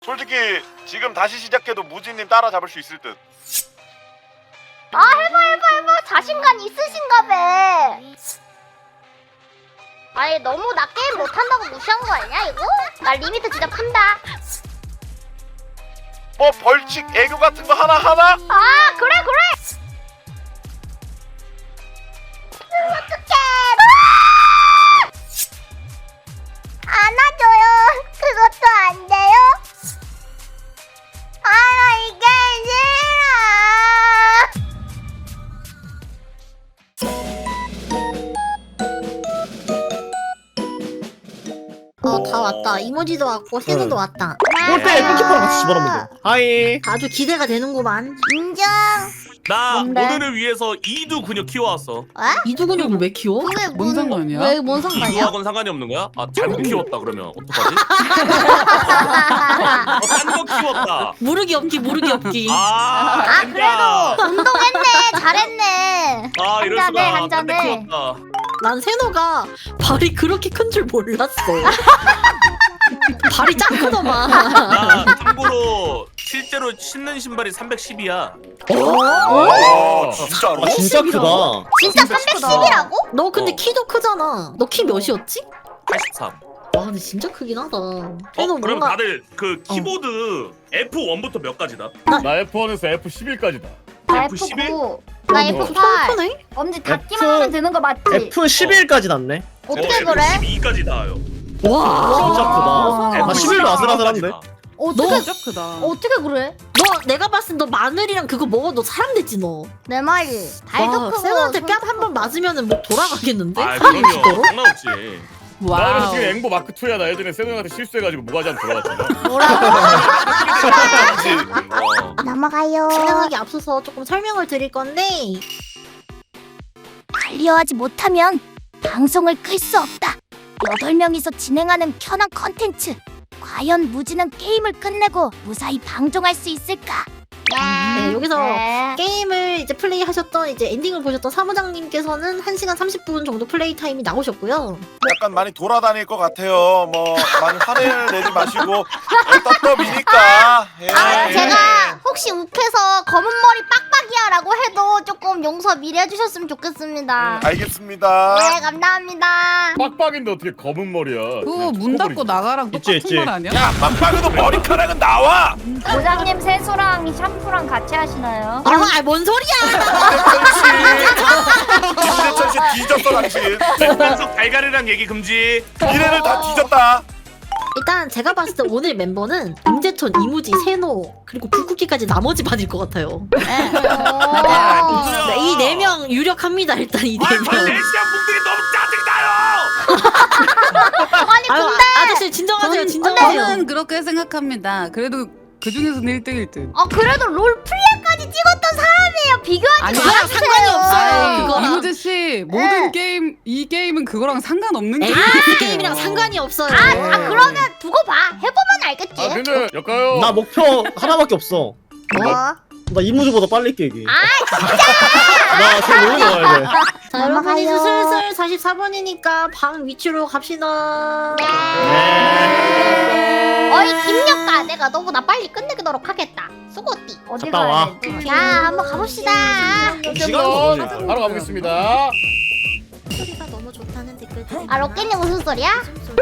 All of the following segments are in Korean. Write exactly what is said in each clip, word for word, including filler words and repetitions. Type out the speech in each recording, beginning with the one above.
솔직히 지금 다시 시작해도 무진님 따라잡을 수 있을 듯. 아 해봐 해봐 해봐 자신감 있으신가 봐. 아니 너무 나 게임 못한다고 무시한 거 아니야 이거? 나 리미트 진짜 판다. 뭐 벌칙 애교 같은 거 하나 하나? 아 그래 그래. 어떡해. 안아줘요. 그것도 안 돼요? 아 이게 싫어. 어, 다 왔다. 이모지도 왔고 세노도 왔다. 꼴대 꿀키퍼랑 같이 집어넣으면 돼. 하이. 아주 기대가 되는구만. 인정. 나 뭔데? 오늘을 위해서 이두 근육 키워왔어. 이두 근육을 왜 키워? 그게 뭔 상관이야? 왜뭔 상관이야? 이두하고는 상관이 없는 거야? 아 잘못 키웠다 그러면 어떡하지? 어, 딴 거 키웠다. 무르기 없기 무르기 없기. 아, 아 진짜. 그래도 운동했네. 잘했네. 아 이럴 한잔해, 수가. 딴 데 한잔해. 키웠다. 난 세노가 발이 그렇게 큰 줄 몰랐어. 발이 짱 크더만. 나 참고로 실제로 신는 신발이 삼백십이야. 와 진짜로? 아 진짜 크다. 진짜 삼백십이라고? 너 근데 어. 키도 크잖아. 너 키 몇이었지? 팔십삼. 와 근데 진짜 크긴 하다. 어 세노 그럼 뭔가 다들 그 키보드 에프 원부터 몇 가지다? 나 에프 원에서 에프 십일까지다. 나 에프 십일? 에프 구. 어, 나 너 에프 팔. 크네? 엄지 닫기만 F- 하면 되는 거 맞지? 에프 십일까지 났네. 어떻게 어, 그래? 에프 십이까지 닿아요. 와 진짜 크다. 에프 아 십일도 아슬아슬한데? 어떻게 진짜 크다. 어떻게 그래? 너 내가 봤을 때 너 마늘이랑 그거 먹어 너 사람 됐지 너. 내 말이 발도 와, 크고. 세노한테 뺨 한 번 맞으면은 목 돌아가겠는데? 아 사람 그럼요. 진짜로? 상관없지. 나 그래서 와우. 지금 앵보 마크 투야. 나 예전에 세노 형한테 실수해가지고 모가지 한번 돌아갔잖아. 뭐라고? 어. 넘어가요. 진행하기 앞서서 조금 설명을 드릴 건데 클리어하지 못하면 방송을 끌 수 없다. 여덟 명이서 진행하는 편한 컨텐츠. 과연 무지는 게임을 끝내고 무사히 방종할 수 있을까? 네, 여기서 네. 게임을 이제 플레이하셨던 이제 엔딩을 보셨던 사무장님께서는 한 시간 삼십 분 정도 플레이 타임이 나오셨고요. 약간 많이 돌아다닐 것 같아요. 뭐 많이 화를 내지 마시고 떡떡이니까. 예, 아 예. 제가 혹시 욱해서 검은 머리 빡빡이야라고 해도 조금 용서 미리 해주셨으면 좋겠습니다. 음, 알겠습니다. 네 감사합니다. 빡빡인데 어떻게 검은 머리야? 그거 문 닫고 나가랑 있지, 똑같은 있지. 말 아니야? 야 막박에도 머리카락은 나와. 부장님 세수랑 샴푸랑 같이 하시나요? 아, 뭔 소리야! 김대천 씨, 김대천 씨 뒤졌어 당신. 백반석 달걀이랑 얘기 금지. 미래를 다 뒤졌다. 일단 제가 봤을 때 오늘 멤버는 임재천, 이무지, 세노 그리고 북쿠키까지 나머지 반일 것 같아요. 어. 네, 이 네 명 유력합니다. 일단 이 네 아, 명. 레시안 분들이 너무 짜증나요. 아니 아유, 근데 아, 아저씨 진정하세요. 저는- 진정하세요. 저는 그렇게 생각합니다. 그래도 그 중에서는 일 등일 듯. 어 그래도 롤 플레이까지 찍었던 사람이에요. 비교하지 아니, 그거랑 말아주세요. 상관이 없어요. 아이, 그거랑. 이무재 씨 모든 네. 게임 이 게임은 그거랑 상관없는 게임. 에이스 게임이랑 상관이 없어요. 아, 아 그러면 두고 봐. 해보면 알겠지. 아 근데 여까요. 나 목표 하나밖에 없어. 뭐? 나 이무주보다 빨리 깨기. 아 나 지금 올려 가야 돼. 자, 여러분 이제 넘어가요. 슬슬 사십사 분이니까 방 위치로 갑시다. 네. 어이 김력가 내가 너보다 빨리 끝내도록 하겠다. 수고띠. 어디 갔다 와. 가야 되지? 자 한번 가봅시다. 시간 바로 가보겠습니다. 소리가 너무 좋다는 댓글들이 아 럭키님 무슨 소리야?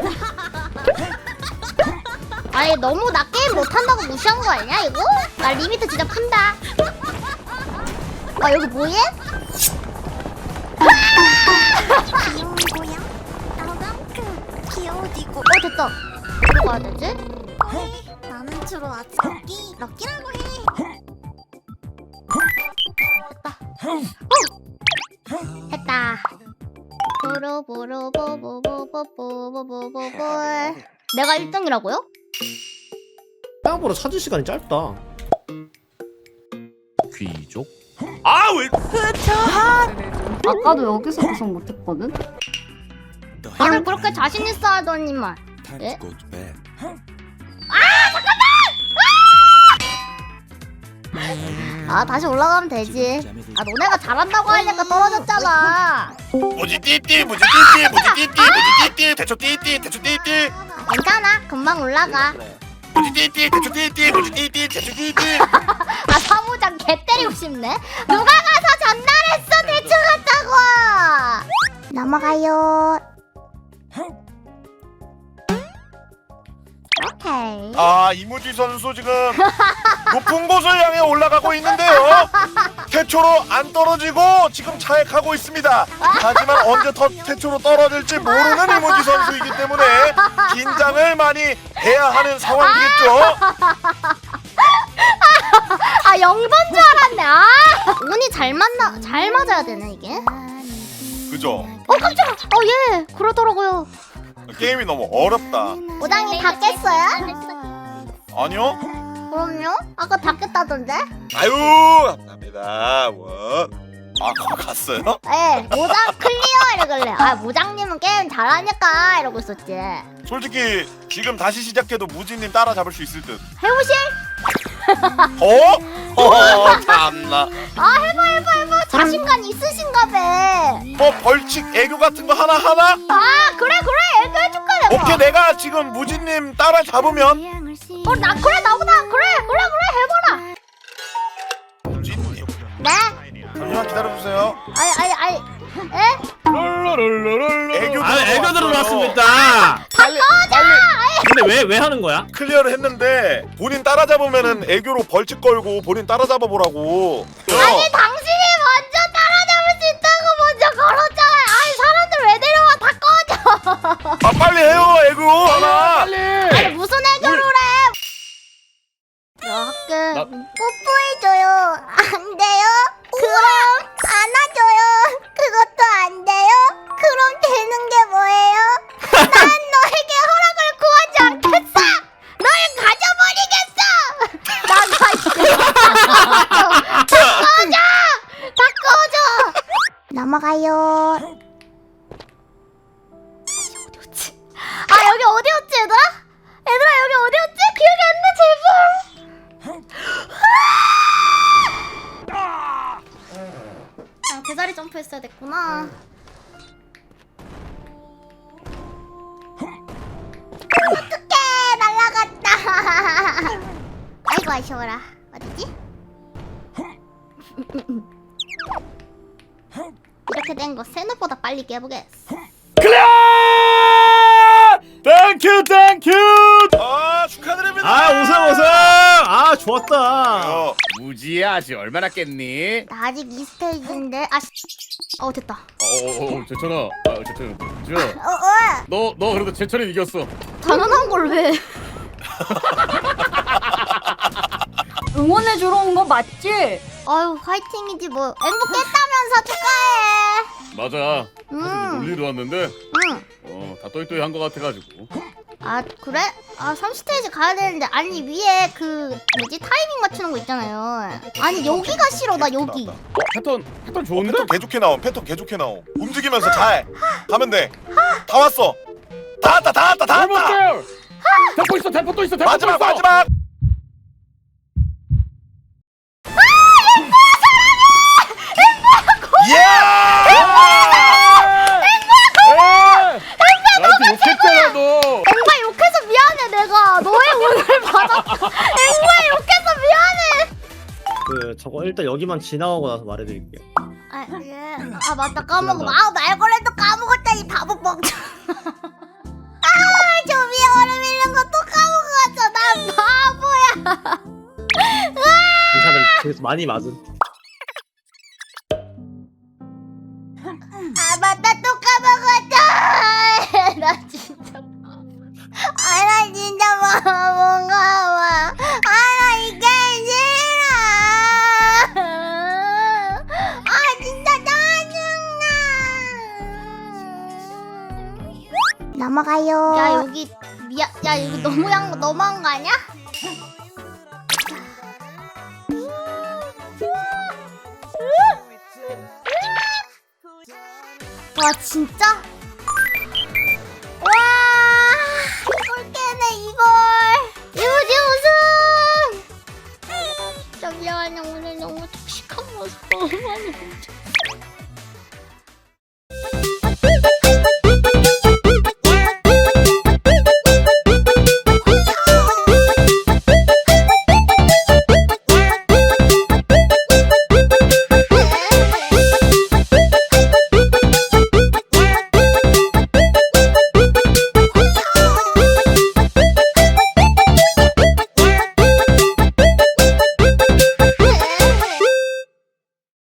아니 너무 나 게임 못한다고 무시한 거 아니야 이거? 나 리미트 진짜 판다. 아 여기 뭐해? 귀여운 고양? 나만큼 귀여워지고. 어 됐다. 어디 가야 되지? 나는 주로 아치 럭키, 럭키라고 해. 했다. 보로보로보보보보보보보보. 내가 일 등이라고요? 생각보다 찾을 시간이 짧다. 귀족? 아 왜? 아까도 여기서 구성 못했거든? 나를 그렇게 자신 있어 하더니만. 예? 아 다시 올라가면 되지. 아 너네가 잘한다고 하니까 떨어졌잖아. 무지 띠띠 무지 띠띠 무지 띠띠 무지 띠띠 대초 띠띠 대초 띠띠. 괜찮아 금방 올라가. 무지 띠띠 대추 띠띠 무지 띠띠 대추 띠띠. 아 사무장 개 때리고 싶네. 누가 가서 전달했어 대충 같다고. 넘어가요. 오케이. 아 이무지 선수 지금 높은 곳을 향해 올라가고 있는데요. 태초로 안 떨어지고 지금 차에 가고 있습니다. 하지만 언제 더 태초로 떨어질지 모르는 이무지 선수이기 때문에 긴장을 많이 해야 하는 상황이겠죠. 아 영번 줄 알았네. 아 운이 잘 맞나 잘 맞아야 되네 이게. 그죠? 어 깜짝아. 어예 그러더라고요. 게임이 너무 어렵다. 모장님 다 깼어요? 아니요? 그럼요. 아까 다 깼다던데? 아유 감사합니다. 뭐? 아 그거 갔어요? 예 모장 클리어 이러길래 아 모장님은 게임 잘하니까 이러고 있었지. 솔직히 지금 다시 시작해도 무지님 따라잡을 수 있을 듯. 해보실? 어? 어 참나. 아 해봐 해봐 해봐. 자신감 있으신가 봐. 뭐 벌칙 애교 같은 거 하나 하나? 아 그래 그래 애교 해줄까 내가. 오케이 내가 지금 무지님 따라잡으면 어 나 그래 나보다 그래 그래 그래 해봐라. 무지님 네? 잠시만 기다려주세요. 아니 아니 아니 에? 롤롤롤롤롤. 애교 아 애교 들어왔어요. 들어왔습니다. 빨리 빨리 근데 왜 왜 하는 거야? 클리어를 했는데 본인 따라잡으면은 애교로 벌칙 걸고 본인 따라잡아 보라고. 아니 당신이 먼저 따라잡을 수 있다고 먼저 걸었잖아. 아니 사람들 왜 내려와 다 꺼져. 아 빨리 해요 애교 하나. 아니 무슨 애교를 해. 이렇게 나- 뽀뽀해줘요. 안 돼요? 그럼 안아줘요. 그것도 안 돼요? 그럼 되는 게 뭐예요? 난 너에게 허락을 구하지 않겠어. 널 가져버리겠어. 나가 이제. 다 꺼져. 다 꺼져. 넘어가요. 어디였지? 아 여기 어디였지 얘들아? 얘들아 여기 어디였지? 기억이 안 나 제발. 아 대자리 점프했어야 됐구나. 어떡해 날라갔다. 아이고 아쉬워라. 어디지? 이렇게 된 거 생각보다 빨리 깨보겠어. 클리어! 땡큐 땡큐. 아 축하드립니다. 아 우승 우승. 아 좋았다. 어, 무지야 아직 얼마나 깼니? 나 아직 이 스테이지인데 아 씨. 어 됐다. 어어어 제천아. 아 제천아. 무지야. 어 어. 너너 그래도 제천이 이겼어. 당연한 걸 왜? 응원해주러 온 거 맞지? 아유 화이팅이지 뭐. 행복했다면서 축하해. 맞아. 음. 사실 놀리러 왔는데 응. 어다 또이또이 한 거 같아가지고. 아 그래? 아 삼 스테이지 가야 되는데 아니 위에 그 뭐지 타이밍 맞추는 거 있잖아요. 아니 여기가 싫어 나 여기. 어, 패턴 패턴 좋은데? 패턴 개 좋게 나옴. 패턴 개 좋게 나옴. 움직이면서 잘 가면 돼. 다 왔어. 다 왔다 다 왔다 다 왔다. 해볼게요. 대포 있어 대포 또 있어 대포 마지막 또 있어. 마지막. 예! 나한테 욕했잖아 너. 앵무야 욕해서 미안해 내가 너의 운을 받았다. 앵무야 욕해서 미안해. 그 저거 일단 여기만 지나가고 나서 말해드릴게요. 아, 예. 아 맞다 까먹어. 아 말걸레도 까먹었다 이 바보 멍청. 아저 위에 얼음 있는 거 또 까먹었어. 난 바보야. 인사들 그래서 많이 맞은. 아 맞다 또 까먹었다. 나 진짜 아나 진짜 바본가 봐. 아나 이게 싫어. 아 진짜 짜증나. 넘어가요. 야 여기 미야 야 여기 너무 양 너무한 거 아니야? 와 진짜? 와 이걸 깨네 이걸. 이거지 우승. 진짜 미안해 오늘 너무 톡식한 모습 너무 많이 보여줘.